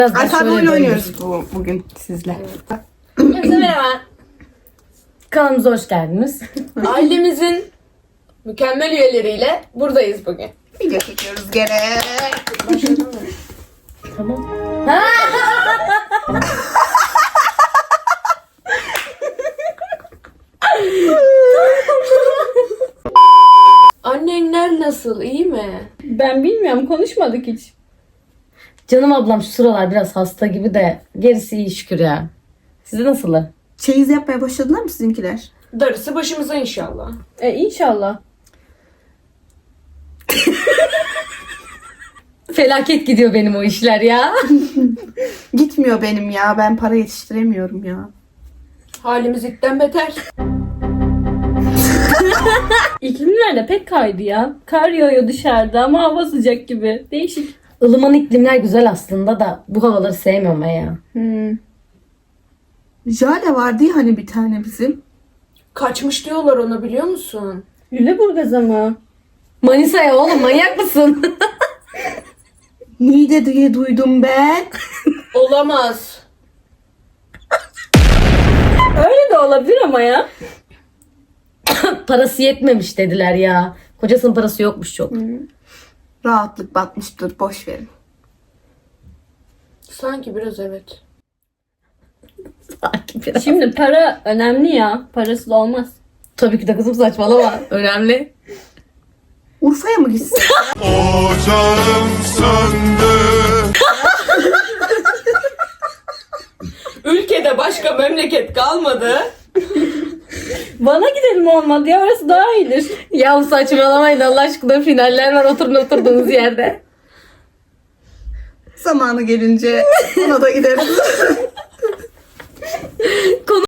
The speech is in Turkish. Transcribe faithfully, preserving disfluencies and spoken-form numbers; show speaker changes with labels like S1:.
S1: Alfabe oyunu oynuyoruz bu, bugün sizle.
S2: Herkese merhaba.
S3: Kanalımıza hoş geldiniz.
S2: Ailemizin mükemmel üyeleriyle buradayız bugün.
S1: Video çekiyoruz gene.
S2: Başladın mı?
S3: Tamam.
S2: Annenler nasıl? İyi mi?
S4: Ben bilmiyorum, konuşmadık hiç.
S3: Canım ablam şu sıralar biraz hasta gibi de gerisi iyi şükür ya. Size nasıl?
S1: Çeyiz yapmaya başladılar mı sizinkiler?
S2: Darısı başımıza inşallah.
S4: E inşallah.
S3: Felaket gidiyor benim o işler ya.
S1: Gitmiyor benim ya. Ben para yetiştiremiyorum ya.
S2: Halimiz itten beter.
S4: İklimler de pek kaydı ya. Kar yağıyor dışarıda ama hava sıcak gibi. Değişik.
S3: Ilıman iklimler güzel aslında da bu havaları sevmiyorum ben ya.
S1: Hmm. Jale vardı ya hani bir tane bizim.
S2: Kaçmış diyorlar ona, biliyor musun?
S4: Lüleburgaz'a mı?
S3: Manisa'ya oğlum, manyak mısın?
S1: Niğde diye duydum ben.
S2: Olamaz.
S4: Öyle de olabilir ama ya.
S3: Parası yetmemiş dediler ya. Kocasının parası yokmuş çok.
S1: Rahatlık batmıştır. Boş verin.
S2: Sanki biraz evet.
S3: Sanki biraz.
S4: Şimdi para önemli ya. Parası da olmaz.
S3: Tabii ki de kızım, saçmalama. Önemli.
S1: Urfa'ya mı gitsin?
S5: Ocağım söndü.
S2: Ülkede başka memleket kalmadı.
S4: Bana gidelim olmadı ya. Orası daha iyidir.
S3: Ya saçmalamayın Allah aşkına, finaller var, oturun oturduğunuz yerde.
S1: Zamanı gelince ona da gideriz.